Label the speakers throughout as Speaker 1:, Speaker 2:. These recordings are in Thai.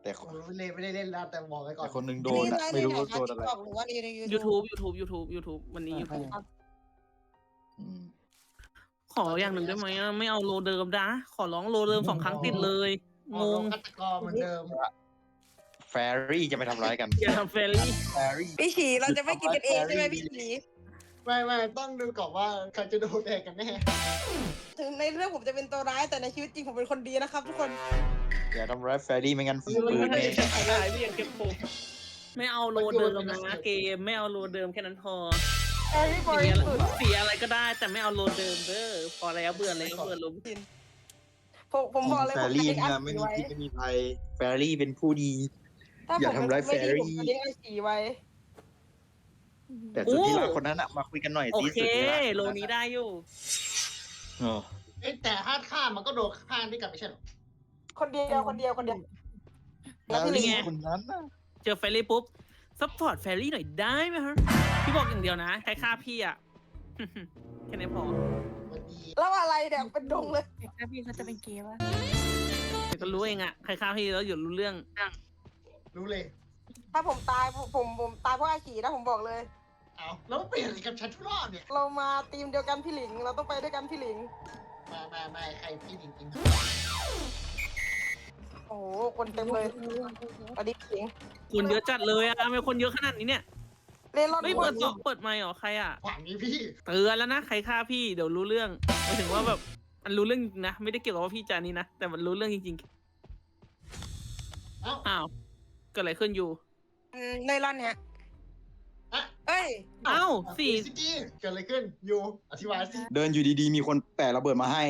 Speaker 1: แต่
Speaker 2: ผมไม่ได้เล่นแล้วแต่บอกไว้ก่อน
Speaker 1: คนหนึ่งโดนอะไม่รู้ว่าโดนอะไร
Speaker 3: หรือว่าใน
Speaker 4: YouTube วันนี้ YouTube
Speaker 1: อืม
Speaker 4: ขออย่างหนึ่งได้ไหมอะไม่เอาโลเดิมนะขอร้องโลเดิม2 ครั้งติดเลยงง
Speaker 2: ฆาตกรเหมือนเดิม
Speaker 1: แฟรี่จะไปทำร้ายกัน
Speaker 4: อย่าทำเฟรนลี่
Speaker 1: แฟรี่
Speaker 3: พี่ฉีเราจะไม่กินกันเองใช่ไหมพี่ฉี
Speaker 2: ไม่ต้องดูก่อนว่าใครจะโดนแดกกันแน่
Speaker 3: ถึงในเรื่องผมจะเป็นตัวร้ายแต่ในชีวิตจริงผมเป็นคนดีนะครับทุกคน
Speaker 1: อย่าทำร้ายแฟรี่ไม่งั้นฝีมือ
Speaker 4: ไม่
Speaker 1: แน่
Speaker 4: ได้พี่ยังเก็บผมไม่เอาโลเดิมนะเกมไม่เอาโลเดิมแค่นั้นพอ
Speaker 3: แอรี่บริสุทธิ์
Speaker 4: เสียอะไรก็ได้แต่ไม่เอาโลเดิมเด้อพอแล้วเบื่อแล้วเบื่อลม
Speaker 3: ผมบอกเลย
Speaker 1: แฟ
Speaker 3: ผม
Speaker 1: รี่
Speaker 3: จะเลี้ยง
Speaker 1: เนี่ย
Speaker 3: อา
Speaker 1: ไม่
Speaker 3: ชี
Speaker 1: มี
Speaker 3: ไว้
Speaker 1: พิษไม่มีภัยแฟรี่เป็นผู้ดี
Speaker 3: ถ้า
Speaker 1: อย่า
Speaker 3: ผม
Speaker 1: ทำร้าย
Speaker 3: ไม่ดี
Speaker 1: แฟรี่
Speaker 3: ผมจะเลี้ยงอาชีไว้
Speaker 1: แต่สุดที่รักคนนั้นอะมาคุยกันหน่อย
Speaker 4: โอ
Speaker 1: สิ
Speaker 4: เค
Speaker 1: สุดที่รัก
Speaker 4: โลนี้ได้อยู่
Speaker 1: อ๋อ
Speaker 2: แต่ถ้าฆ่ามันก็โดนฆ่าด้วยกันไม่ใช่หรอ
Speaker 3: คนเดียว
Speaker 1: แฟรี่คนนั้นน่ะ
Speaker 4: เจอเฟรลี่ปุ๊บซัพพอร์ตแฟรรี่หน่อยได้ไหมฮะพี่บอกอย่างเดียวนะใครฆ่าพี่อ่ะ แค่นี้พอ
Speaker 2: วันดี
Speaker 3: แล้วอะไรเนี่ยเป็นดงเลย
Speaker 5: แต่ถ้าพี่เขาจะเป็นเกย์วะ
Speaker 4: เดี๋ยวก็รู้เองอ่ะใครฆ่าพี่แล้วอยู่รู้เรื่อง
Speaker 2: รู้เลย
Speaker 3: ถ้าผมตายผมตายเพราะอาชีนะผมบอกเลย
Speaker 2: เอาแล้วเปลี่ยนกับฉันทุกรอบเนี่ย
Speaker 3: เรามาทีมเดียวกันพี่หลิง เราต้องไปด้วยกันพี่หลิง
Speaker 2: ไม่ใครพี่จริง
Speaker 3: โอ้โหคนเต็มเลยสวัสดีพี่หลิง
Speaker 4: คนเยอะจัดเลยอ่ะทำไมคนเยอะขนาดนี้เนี่ย
Speaker 3: เล่นรอด
Speaker 4: ไม่
Speaker 3: หม
Speaker 4: เปิ
Speaker 3: ด
Speaker 4: ดเปิดไมค์เหรอใครอ่ะ
Speaker 2: ๆขวางนี้พี่
Speaker 4: เตือนแล้วนะใครฆ่าพี่เดี๋ยวรู้เรื่องหมายถึงว่าแบบมันรู้เรื่องจริงนะไม่ได้เกี่ยวกับว่าพี่จานี่นะแต่มันรู้เรื่องจริง
Speaker 2: เอ้า
Speaker 4: ๆอ้าวเกิดอะไรขึ้นอยู่
Speaker 3: ในรอนเนี่ย
Speaker 2: อะ
Speaker 3: เอ้ย
Speaker 4: อ้าวสี่
Speaker 2: ซิกี้เกิดอะไรขึ้นอยู่อธิบายสิ
Speaker 1: เดินอยู่ดีๆมีคนแปะระเบิดมาให้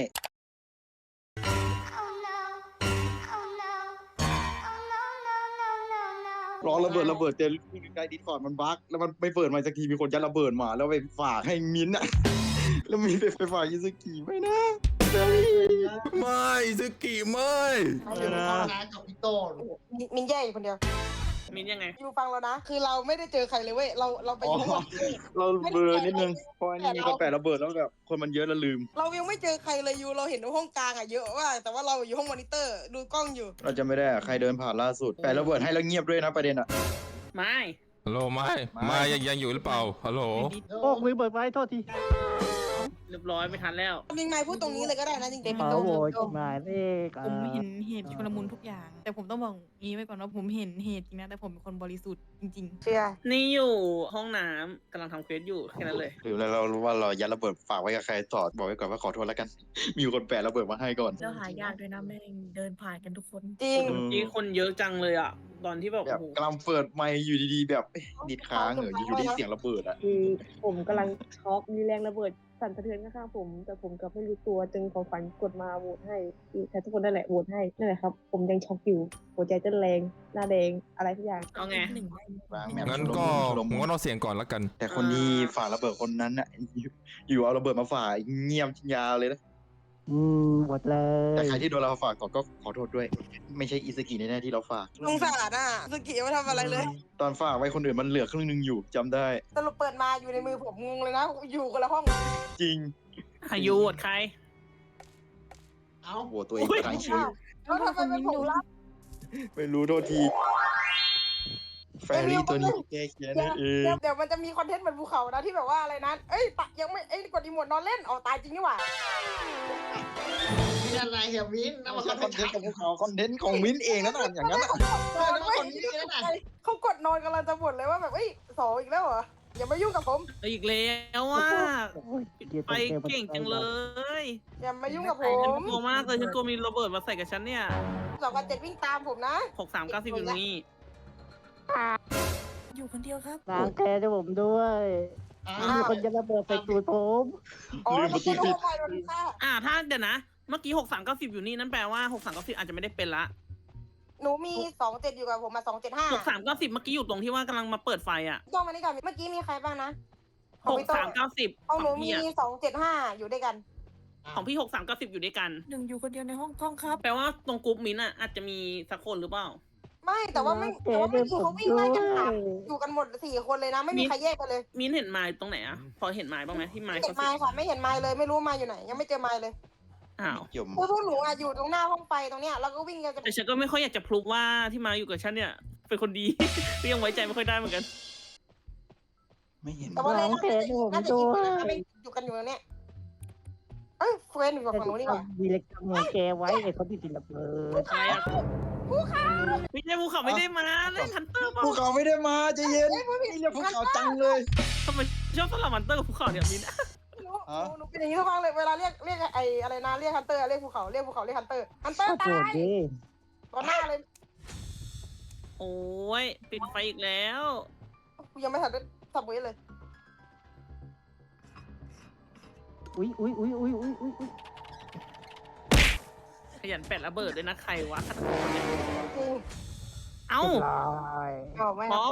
Speaker 1: รอระเบิดเจอใกล้ดิสคอร์ดมันบั๊กแล้วมันไม่เปิดมาสักทีมีคนยัดระเบิดมาแล้วไปฝากให้มิ้นท์อะ แล้วมีไปฝากยิสกิไม่นะ
Speaker 6: ไม่ซึกิไม่
Speaker 2: เดี๋ยวพ่อนะกับพี่โต้
Speaker 3: มินแย่อยู่คนเดียว
Speaker 4: มินยังไง
Speaker 3: อยู่ฟังเรานะ คือเราไม่ได้เจอใครเลยเว้ย เราไป
Speaker 1: อ๋อ
Speaker 3: อยู่ข้างบน
Speaker 1: เราเบลอนิดนึงเพราะอันนี้มีคนแปะระเบิดแล้วแบบคนมันเยอะแล้วลืม
Speaker 3: เรายังไม่เจอใครเลยอยู่ เราเห็นว่าห้องกลางอะเยอะว่ากแต่ว่าเราอยู่ห้องมอนิเตอร์ ดูกล้องอยู่
Speaker 1: เราจะไม่ได้อะใครเดินผ่านล่าสุดแปะระเบิดให้แล้วเงียบด้วยนะประเด็นอะ
Speaker 4: ไม่
Speaker 6: ฮัลโหลไม่ยังอยู่หรือเปล่าฮัลโหล
Speaker 7: โอ้มือเปิดไว้โทษที
Speaker 4: เรียบร้อยไม่ทันแล้ว
Speaker 3: มิงไมพูดตรงนี้เลยก็ได้นะจริงๆ
Speaker 7: ขอโหวตหมายเลข
Speaker 5: ผมเห็นเหตุชุลมุนทุกอย่าง แต่ผมต้องบอกงี้ไว้ก่อนว่าผมเห็นเหตุจริงนะแต่ผมเป็นคนบริสุทธิ์จริง
Speaker 3: เชียร์
Speaker 4: นี่อยู่ห้องน้ำกำลังทำเควสอยู่แค่นั้นเลย
Speaker 1: หรือเรารู้ว่าเรายัดระเบิดฝากไว้กับใครต่อบอกไว้ก่อนว่าขอโทษแล้วกัน มีคนแปะระเบิดมาให้ก่อน
Speaker 5: ๆแล้วหายากด้วยนะแม่งเดินผ่านกันทุกคน
Speaker 3: จริง
Speaker 4: นี่คนเยอะจังเลยอ่ะ ตอนที่แบบ
Speaker 1: แบบ
Speaker 4: โอ้โห
Speaker 1: กำลังเปิดไมค์อยู่ดีๆแบบดิดค้างอยู่ดีเสียงระเบิดอะ
Speaker 8: คือผมกำลังช็อกมีแรงระเบิดสั่นสะเทือนข้างๆผม แต่ผมกลับไม่รู้ตัวจึงของฝันกดมาโหวตให้แต่ทุกคนนั่นแหละโหวตให้นั่นแหละครับ ผมยังช็อกอยู่หัวใจเต้นแรงหน้าแดงอะไรทุกอย่าง
Speaker 4: เอาไง
Speaker 5: หนึ่งได้
Speaker 6: งั้นก็ผมก็ต้องเสียงก่อนแล้วกัน
Speaker 1: แต่คนที่ฝากระเบิดคนนั้นอะอยู่เอาระเบิดมาฝากเงียบยาวเลยนะ
Speaker 7: หมดเลย
Speaker 1: แต่ใครที่โดนเราฝากก่อนก็ขอโทษด้วย ไม่ใช่อิสกิแน่ๆที่เราฝาก
Speaker 3: สงสารอ่ะสกิไม่ทำอะไรเลย
Speaker 1: ตอนฝากไว้คนอื่นมันเหลือครึ่งนึงอยู่จำได้
Speaker 3: สรุปเปิดมาอยู่ในมือผมงงเลยนะ อยู่คนละห้อง
Speaker 1: จริง
Speaker 4: อายุโหวตใคร
Speaker 2: เอ้า
Speaker 1: โหวตตัวเองทางชีวิต
Speaker 3: แล้วทำไมเป็นผมล่ะ
Speaker 1: ไม่รู้โทษที แฟรี่ตัวนี้แก้แค้นนั่นเอง
Speaker 3: เดี๋ยวมันจะมีคอนเทนต์เหมือนภูเขานะที่แบบว่าอะไรนะเอ้ยปะยังไม่กดอีโมดนอนเล่นอ๋อตายจริงนี่หว่า
Speaker 2: มีอะไรเฮียวินนะมา
Speaker 1: ค
Speaker 2: ค
Speaker 1: อ
Speaker 2: อน น
Speaker 1: เท
Speaker 2: เท
Speaker 1: น
Speaker 2: น
Speaker 1: ต์
Speaker 2: ต์
Speaker 1: ของพวกเขาคอนเทนต์ของมิ้นเองนะน่ะอย่างนั้นอะ
Speaker 3: นอนไม่เขากดนอนกำลังจะบ่นเลยว่าแบบเอ้ยสองอีกแล้วเหรออย่ามายุ่งกับผม
Speaker 4: อีกแล้วอ่ะไปเก่งจังเลย
Speaker 3: อย่ามายุ่งกับผ
Speaker 4: ฉัน
Speaker 3: ม
Speaker 4: กลัวมากเลยฉันกลัวมีระเบิดมาใส่กับฉันเนี่ย
Speaker 3: 2,7วิ่งตามผมนะ
Speaker 4: 6390อยู่นี่
Speaker 5: อยู่คนเดียวครับ
Speaker 7: ล้างแค้นให้ผมด้วย มีคนจะระเบิดใส่ตูดผม
Speaker 3: อ๋อเมื่อกี้โดนไฟโดนฆ่า
Speaker 4: ถ้าเดี๋ยวนะ เมื่อกี้6390อยู่นี่นั่นแปลว่า6390อาจจะไม่ได้เป็นละ
Speaker 3: หนูมี27อยู่กับผมมา275
Speaker 4: 6390เมื่อกี้อยู่ตรงที่ว่ากำลังมาเปิดไฟอ่ะ
Speaker 3: ย่องมานี่ก่อนเมื่อกี้มีใครบ้างนะของพี่โต้
Speaker 4: 6390
Speaker 3: ของหนู
Speaker 4: พี่
Speaker 3: มี
Speaker 4: อะ
Speaker 3: 275อยู่ด้วยกัน
Speaker 4: ของพี่6390อยู่ด้วยกัน
Speaker 5: หนึ่งอยู่คนเดียวในห้องกล้องครับ
Speaker 4: แปลว่าตรงกรุ๊ปมิ้นท์อ่ะอาจจะมีสักคนหรือเปล่า
Speaker 3: ไม่แต่ว่าไม่แต่ว่าเมื่อกี้เขาวิ่งไล่กันหาอยู่กันหมด4คนเลยนะ ไม่มีใครแยกกันเลย
Speaker 4: มิ้นท์เห็นไม้ตรงไหนอ่ะพอเห็นไม้บ้างไหมที่ไม้
Speaker 3: ไม่เห็
Speaker 4: เขา
Speaker 3: นไม้ค่ะไม่เห็นไม้เลยไม่รู้ไม้อยู่ไหน ยังไม่เจอไม้เลย
Speaker 4: อ้าว
Speaker 1: เกี่ยว
Speaker 3: พวกหนูอะอยู่ตรงหน้าห้องไฟตรงเนี้ยแล้วก็วิ่งกันจะ
Speaker 4: แต่ฉันก็ไม่ค่อยอยากจะพลุกว่าที่มาอยู่กับฉันเนี่ย เป็นคนดี ก็ยังไว้ใจไม่ค่อยได้เหมือนกัน
Speaker 1: ไม่เห็น
Speaker 3: แต่ว่าเลย
Speaker 7: น้องเฟซผม
Speaker 3: น่าจะ
Speaker 7: ด้
Speaker 3: ยิง
Speaker 7: ว
Speaker 3: ปืน
Speaker 7: ย
Speaker 3: นะไม่อยู่กันอยู่ตรงเนี้ยเอ้ยเฟรนอยู่กับฝั่งนู้นนี่หว่า
Speaker 7: ดีเล็กทำของแกไว้ไอ้คนที่ติดระเบิด
Speaker 4: อะไรอะไม่ใช่ภูเขาไม่ได้มาเล่นฮันเตอร์เปล่า
Speaker 1: ภูเขาไม่ได้มาใจเย็นนี่เรียกภูเขาจังเลย
Speaker 4: ทำไมชอบสลับฮันเตอร์กับภูเขาเนี่ยมิน
Speaker 3: หนูเป็นอย่างนี้ทุกครั้งเลยเวลาเรียกไอ้อะไรนะเรียกฮันเตอร์เรียกภูเขาเรียกฮันเตอร์
Speaker 7: โกร
Speaker 3: ตา
Speaker 7: ธ
Speaker 3: ย
Speaker 7: ดิ
Speaker 3: ต่อหน้าเลย
Speaker 4: โอ้ยปิดไฟอีกแล้ว
Speaker 3: กูยังไม่ทันได้สับเวทเลย
Speaker 7: อุ้ย
Speaker 4: ขยันแปะระเบิดด้วยนะใครวะฆาตกรเนี่ย
Speaker 3: กู
Speaker 4: เอ้า
Speaker 7: ลาย
Speaker 3: เอาไม่ครับ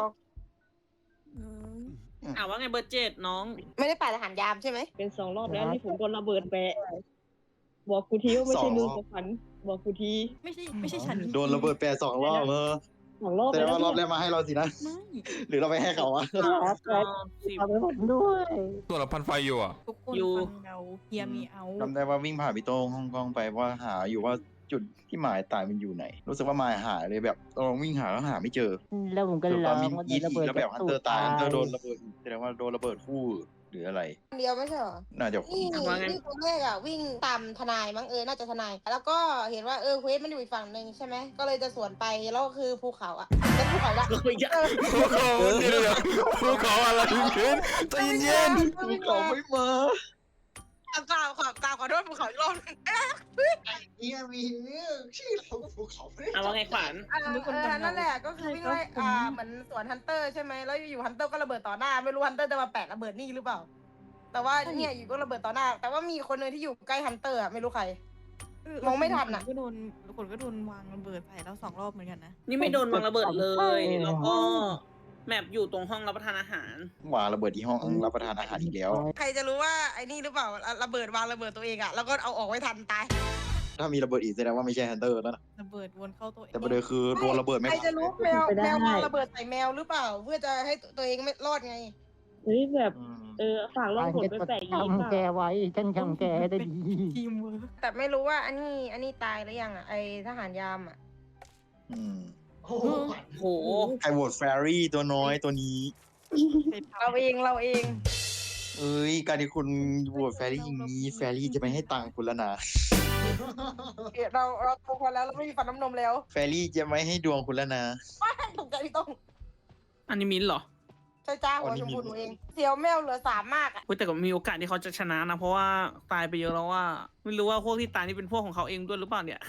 Speaker 4: ว่าไงเบอร์7น้อง
Speaker 3: ไม่ได้ป่าทหารยามใช่ไหม
Speaker 8: เป็น2 รอบแล้วที่ผมโดนระเบิดแปะบอกกูทีว่าไม่ใช่มึงกับฝัน บอกกูที
Speaker 5: ไม่ใช่ฉัน
Speaker 1: โดนระเบิดแปร2 รอบ
Speaker 8: 2 รอบ
Speaker 1: แต่
Speaker 8: แล้ว
Speaker 1: ว่ารอบแรกมาให้เราสินะ
Speaker 5: ไม่
Speaker 1: หรือเราไปให้เขาอะ
Speaker 7: ทำให้ผมด้วย
Speaker 6: ตัวเราพันไฟอยู่อ่ะ
Speaker 5: ทุกคน
Speaker 4: อยู่
Speaker 5: ฟังเราเฮียมีเอา
Speaker 1: จำได้ว่าวิ่งผ่านพี่โต้งฮ่องกงไปว่าหาอยู่ว่าจุดที่หมายตายมันอยู่ไหน รู้สึกว่าหมายหายเลยแบบลองวิ่งหาแล้วหาไม่เจอ
Speaker 7: แล้วผมก็
Speaker 1: ส่วน
Speaker 7: ล
Speaker 1: ต
Speaker 7: อ
Speaker 1: อน
Speaker 7: ง
Speaker 1: มิน
Speaker 7: ว่า
Speaker 1: อีท
Speaker 7: ระ
Speaker 1: อี
Speaker 7: เบิ
Speaker 1: ก
Speaker 7: ด
Speaker 1: แล้วแบบฮันเตอร์ตายฮันเตอร์โดนระเบิดแสดงว่าโดนระเบิดคู่หรืออะไร
Speaker 3: เดียวไม่ใช่เหรอ
Speaker 1: น่าจะ
Speaker 3: นี่นี่ตัวแรกอะวิ่งตามทนายมั้งน่าจะทนาย แล้วก็เห็นว่าเควสมันอยู่อีกฝั่งหนึ่งใช่ไหมก็เลยจะสวนไปแล้วก็คือภูเขาอะเป็นภูเขาละ
Speaker 4: ก็ไม่ยาก
Speaker 6: ภูเขาเดี๋ยวภูเขาอะไรขึ้นใจเย็น
Speaker 1: ภูเขาไม่มา
Speaker 3: กล่าวขอโทษภูเขาอีกรอบนึง
Speaker 2: เฮียมีเนี่ยชื่อเราก็ภูเขาไม่ได้
Speaker 4: ว่าไงขวัญ
Speaker 3: นั่นแหละก็คือวิ่งไล่เหมือนสวนฮันเตอร์ใช่ไหมแล้วอยู่ฮันเตอร์ก็ระเบิดต่อหน้าไม่รู้ฮันเตอร์จะมาแปะระเบิดนี่หรือเปล่า แต่ว่าเนี่ยอยู่ก็ระเบิดต่อหน้า แต่ว่ามีคนนึงที่อยู่ใกล้ฮันเตอร์อะไม่รู้ใคร มองไม่ทันอะ
Speaker 5: คนก็โดนวางระเบิดใส่แล้ว2 รอบเหมือนกันนะ
Speaker 4: นี่ไม่โดนวางระเบิดเลย แล้วก็แมปอยู่ตรงห้องรับประทานอาหาร
Speaker 1: วางระเบิดที่ห้องรับประทานอาหารอีกแล้ว
Speaker 3: ใครจะรู้ว่าไอ้นี่หรือเปล่าระเบิดวางระเบิดตัวเองอะแล้วก็เอาออกไว้ทันตาย
Speaker 1: ถ้ามีระเบิดอีกแสดงว่าไม่ใช่ฮันเตอร์แล้วนะ
Speaker 5: ระเบิดวนเข้าตัวเอง
Speaker 1: แต่ประเด็นคือโดนระเบิดไม่
Speaker 3: ใคร
Speaker 1: ผ่าน
Speaker 3: จะรู้แมววางระเบิดใส่แมวหรือเปล่า เพื่อจะให้ตัวเองไม่รอดไง
Speaker 8: เฮ้ยแบบ
Speaker 1: อืม
Speaker 8: ฝากล่องผลไปแปะอีก
Speaker 7: ทำแกไว้ฉันทำแกได้ดี
Speaker 5: ทีมเวิร์ก
Speaker 3: แต่ไม่รู้ว่าอันนี้ตายหรือยังอะไอทหารยามอะ
Speaker 1: อืม
Speaker 2: โอ้โห
Speaker 4: โห
Speaker 1: ใครโหวตแฟรี่ตัวน้อยตัวนี้
Speaker 3: เราเอง
Speaker 1: เอ้ยการที่คุณโหวตแฟรี่อย่างนี้แฟรี่จะไม่ให้ตังค์คุณแล้วนะ
Speaker 3: เราโตพอแล้วเราไม่มีฟันน้ำนมแล้ว
Speaker 1: แฟรี่จะไม่ให้ดวงคุณแล้วนะ
Speaker 3: ตกใจพี่ต้อง
Speaker 4: อันนี้มินเหรอ
Speaker 3: ใช่จ้าหัวชมพูหนูเองเสียวแมวเหลือ3มากอะ
Speaker 4: เฮ้ยแต่ก็มีโอกาสที่เขาจะชนะนะ เพราะว่าตายไปเยอะแล้วว่า ไม่รู้ว่าพวกที่ตายนี่เป็นพวกของเขาเองด้วยหรือเปล่าเนี่ย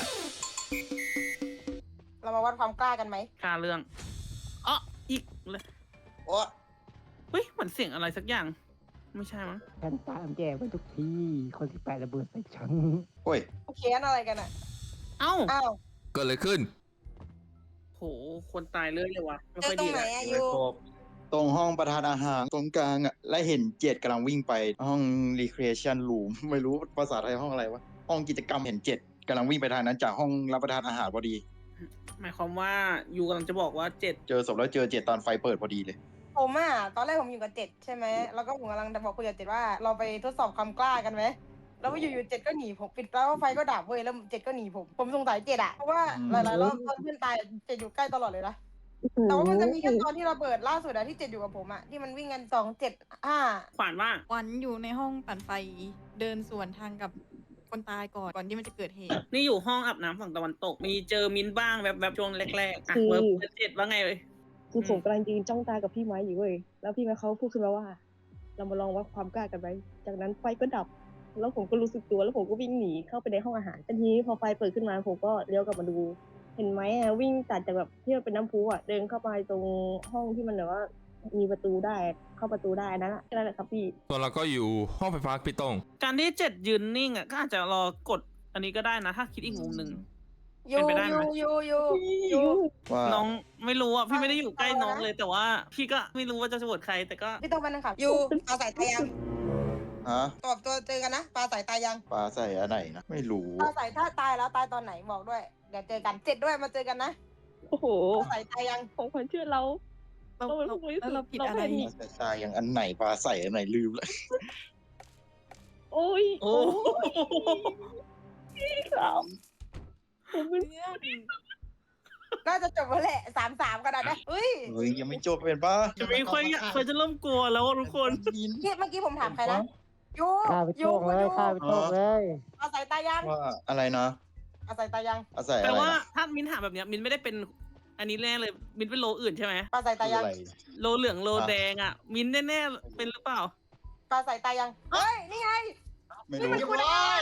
Speaker 3: เรามาวัดความกล้ากันไหม
Speaker 4: ค่าเรื่องอ๋ออีกเลย
Speaker 1: โอ้
Speaker 4: เฮ้ยเหมือนเสียงอะไรสักอย่าง ไม่ใช่มั้ง
Speaker 7: ฉันตามแกไปทุกที่ คนที่แปะระเบิดใส่ฉัน
Speaker 1: โอ้ย
Speaker 3: เขียนอะไรกันอะ
Speaker 4: เอ้า
Speaker 3: อ้าว
Speaker 6: เกิดอะไรขึ้น
Speaker 4: โหคนตายเลยเลยวะไม่
Speaker 3: เจอ
Speaker 4: ค่อย
Speaker 3: ตร
Speaker 4: ดี
Speaker 3: งไหน
Speaker 4: เลย
Speaker 3: อะอยู่
Speaker 1: ตรงห้องประทานอาหารตรงกลางอ่ะ และเห็นเจดกำลังวิ่งไปห้อง recreation room ไม่รู้ภาษาไทยห้องอะไรวะ ห้องกิจกรรมเห็นเจดกำลังวิ่งไปทางนั้นจากห้องรับประทานอาหารพอดี
Speaker 4: หมายความว่ายูกำลังจะบอกว่า7
Speaker 1: เจอศพแล้วเจอเจดตอนไฟเปิดพอดีเลย
Speaker 3: ผมอะตอนแรกผมอยู่กับ7ใช่ไหมแล้วก็ผมกำลังจะบอกคุยกับ7ว่าเราไปทดสอบความกล้ากันไหมแล้วอยู่7ก็หนีผมปิดแล้วไฟก็ดับเว้ยแล้ว7ก็หนีผมสงสัย7อะเพราะว่าหลายๆรอบตอนเพื่อนตาย7อยู่ใกล้ตลอดเลยนะแต่ว่ามันจะมีแค่ตอนที่ระเบิดล่าสุดอะที่7อยู่กับผมอะที่มันวิ่งกัน2 7 5
Speaker 4: ขวานว่า
Speaker 5: วันอยู่ในห้องปั่นไฟเดินสวนทางกับคนตายก่อนที่มันจะเกิดเหตุ
Speaker 4: นี่อยู่ห้องอาบน้ำฝั่งตะวันตก มีเจอมินบ้างแบบช่วงแรกๆอ่ะ
Speaker 8: คือ
Speaker 4: เบอร์7ว่าไงเลย
Speaker 8: คือผมกำลังยืนจ้องตากับพี่ไม้อยู่เว้ย แล้วพี่ไม้เขาพูดขึ้นมาว่า เรามาลองวัดความกล้ากันไหมจากนั้นไฟก็ดับ แล้วผมก็รู้สึกตัวแล้วผมก็วิ่งหนีเข้าไปในห้องอาหารแต่ทีนี้พอไฟเปิดขึ้นมาผมก็เลี้ยวกลับมาดู เห็นไหมอะวิ่งตัดจากแบบที่มันเป็นน้ำพุอะเดินเข้าไปตรงห้องที่มันแบบว่า มีประตูได้เข้าประตูได้นั่นแหละแค่นั้นแหละครับพี่
Speaker 6: ส่วนเราก็อยู่ห้องไฟฟ้าพี่ต้อง
Speaker 4: การที่7ยืนนิ่งอ่ะก็อาจจะรอกดอันนี้ก็ได้นะ ถ้าคิดอีกมุมหนึ่ง
Speaker 3: อยู่
Speaker 4: เป็นไปได้ไหม
Speaker 3: อยู่
Speaker 1: ว่า
Speaker 4: น้องไม่รู้อ่ะพี่ไม่ได้อยู่ใกล้น้องเลย แต่ว่าพี่ก็ไม่รู้ว่าจะโหวตใครแต่ก็
Speaker 3: พี่ต้องไปนั่งขับอยู่ปลาสายตายัง
Speaker 1: ฮะ
Speaker 3: ตอบตัวเจอกันนะปลาสายตายัง
Speaker 1: ปลาใส่อันไหนนะ ไม่รู้
Speaker 3: ปลาสายถ้าตายแล้วตายตอนไหนบอกด้วยเดี๋ยวเจอกัน7ด้วยมาเจอกันนะ
Speaker 8: โอ้โห
Speaker 3: ปลาสายตายัง
Speaker 8: ของขวัญเชื่อเรา
Speaker 5: เรา
Speaker 8: เราเป็นผู้บริสุทธิ์
Speaker 5: แล้วเราผิดอะไร
Speaker 8: เราไม่
Speaker 1: ปลาใส่อย่างอันไหนปลาใส่อันไหนลืมเลย
Speaker 8: โอ้โอ้ย
Speaker 4: โอ้
Speaker 8: ครับผมเป็น
Speaker 5: เพื่อน
Speaker 3: น่าจะจบแล้วแหละ3-3กันนะเฮ้ย
Speaker 1: เฮ้ยยังไม่จบเป็นปะ
Speaker 4: จะมีคนจะเริ่มกลัวแล้วอะทุกคน
Speaker 3: นี่เมื่อกี้ผมถามใครนะยู
Speaker 7: ข้าไปโชคเลยข้าไปโชคเลย
Speaker 3: อาศัยตายัง
Speaker 1: ว่าอะไรนะ
Speaker 3: อาศัยตายัง
Speaker 1: อาศัย
Speaker 4: แต่
Speaker 1: อะไร
Speaker 4: ว่า
Speaker 1: นะ
Speaker 4: ถ้ามินถามแบบเนี้ยมินไม่ได้เป็นอันนี้แน่เลยมินเป็นโลอื่นใช่ไหม
Speaker 3: อาศัย
Speaker 1: คื
Speaker 3: ตา
Speaker 1: อ
Speaker 3: ยัง
Speaker 1: อะไร
Speaker 4: โลเหลืองโลแดงอ่ะ มินแน่ๆเป็นหรือเปล่า
Speaker 3: อาศัยตายังเฮ้ยนี่ไง
Speaker 1: ไม่รู้
Speaker 2: เรียบร้อย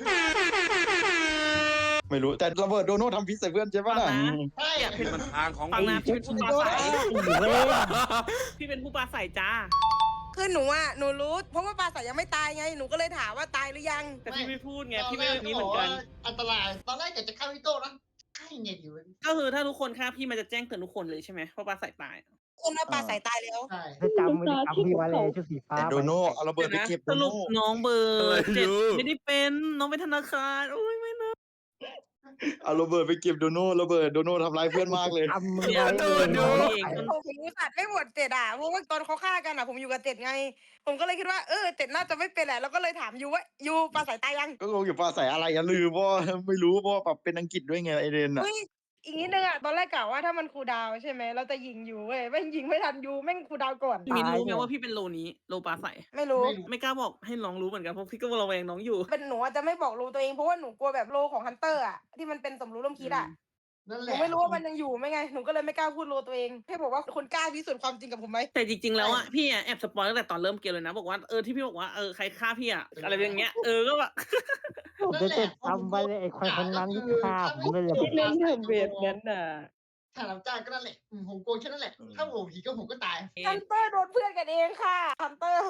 Speaker 1: ไม่รู้แต่ระเบิดโดโน่ทำพิษใส่เพื่อนใช่ปะน่ะ
Speaker 4: ฟังนะ
Speaker 2: ใช่
Speaker 4: อยากเป็น
Speaker 6: มันทางของ
Speaker 4: ฟังนะพี่เป็นผู้ปราศัย
Speaker 7: เว้ย
Speaker 4: พี่เป็นผู้ปราศัยจ้า
Speaker 3: คือหนูอ่ะหนูรู้เพราะว่าปลาใสยังไม่ตายไงหนูก็เลยถามว่าตายหรือยัง
Speaker 4: แต่พี่ไม่พูดไง
Speaker 2: ตอน
Speaker 4: พี่
Speaker 2: แร
Speaker 4: ไม่
Speaker 2: ก
Speaker 4: แบบ
Speaker 2: ก็
Speaker 4: นี้
Speaker 2: บ
Speaker 4: เหมื
Speaker 2: อ
Speaker 4: อก นกั
Speaker 2: ว่าน อันตราย ตอนแรกอยากจะฆ่าพี่โต้นะใช่ไงดิวะ
Speaker 4: ก็คือถ้าทุกคนฆ่าพี่มันจะแจ้งเตือนทุกคนเลยใช่ไหมเพราะปราศัยตาย
Speaker 3: คุณว่าปลาใสตายแล้ว
Speaker 2: ใช่
Speaker 7: จะจำไม่ได้จำพี่ไว้เลยชุดสีฟ้า
Speaker 1: แต่โดโน่เอาระเบิดไปเก็บ
Speaker 4: ส
Speaker 1: โด
Speaker 4: รุ
Speaker 1: โน่
Speaker 4: ปน้องเบอร์7ไม่ได้เป็นน้องเป็นธนาคารโอ้ยไม่นะ
Speaker 1: เอาระเบิดไปเก็บโดโน่ระเบิดโดโน่ทำร้ายเพื่อนมากเลย
Speaker 7: จำมึง
Speaker 4: เนี่ย
Speaker 7: ไว้
Speaker 4: โด
Speaker 7: เลย
Speaker 4: นดูเอง
Speaker 3: ผมอุตส่าห์ไม่หมดเจ็ดอ่ะเพราะว่าตอนเขาฆ่ากันอ่ะผมอยู่กับเจ็ดไง ผมก็เลยคิดว่าเจ็ดน่าจะไม่เป็นแหละแล้วก็เลยถามยูว่ายูปลาใสตายยัง
Speaker 1: ก็งงอยู่ปลาใส่อะไรอย่าลืมเพราะว่าไม่รู้เพราะว่าแบบเป็นอังกฤษด้วยไงไอเดนอ่ะ
Speaker 3: เฮ้ยอีกนิดนึงอ่ะตอนแรกกะว่าถ้ามันคูลดาวน์ใช่ไหมเราจะยิงยูเว้ยแม่งยิงไม่ทันยูแม่งคูลดาวน์ก่อน
Speaker 4: มินรู้ไหมว่าพี่เป็นโลนี้โลปลาใส
Speaker 3: ไม่รู้
Speaker 2: ไม่รู้
Speaker 4: ไม่กล้าบอกให้น้องรู้เหมือนกันเพราะพี่ก็ระแวงน้องอยู่
Speaker 3: เป็นหนูอาจจะไม่บอกรูตัวเองเพราะว่าหนูกลัวแบบโลของฮันเตอร์อ่ะที่มันเป็นสมรู้ร่วมคิดอ่ะ
Speaker 2: นั่น
Speaker 3: ห
Speaker 2: แห
Speaker 3: นู
Speaker 2: ละ
Speaker 3: ไม่รู้ว่ามันยังอยู่ไหมไงหนูก็เลยไม่กล้าพูดโลตัวเองแค่บอกว่าคุณกล้าพิสูจน์ความจริงกับผมไหม
Speaker 4: แต่จริงๆแล้วอ่ะพี่อ่ะแอบสปอยตั้งแต่ตอนเริ่มเกมเลยนะบอกว่าที่พี่บอกว่าใครฆ่าพี่อ่ะอะไรอย่างเงี้ยก็แบบ
Speaker 7: ผมจะจำไว้เลยไอ้คนนั้นที่ฆ่าผมเลย
Speaker 8: เล่นทำเวทนั้นน่ะ
Speaker 2: ถ้ารับจ้างก็นั่นแหละผมโกงแค่นั้นแหละ ถ้าผมผีก็ผมก็ตาย
Speaker 3: ฮันเตอร์โดนเพื่อนกันเองค่ะฮันเตอร์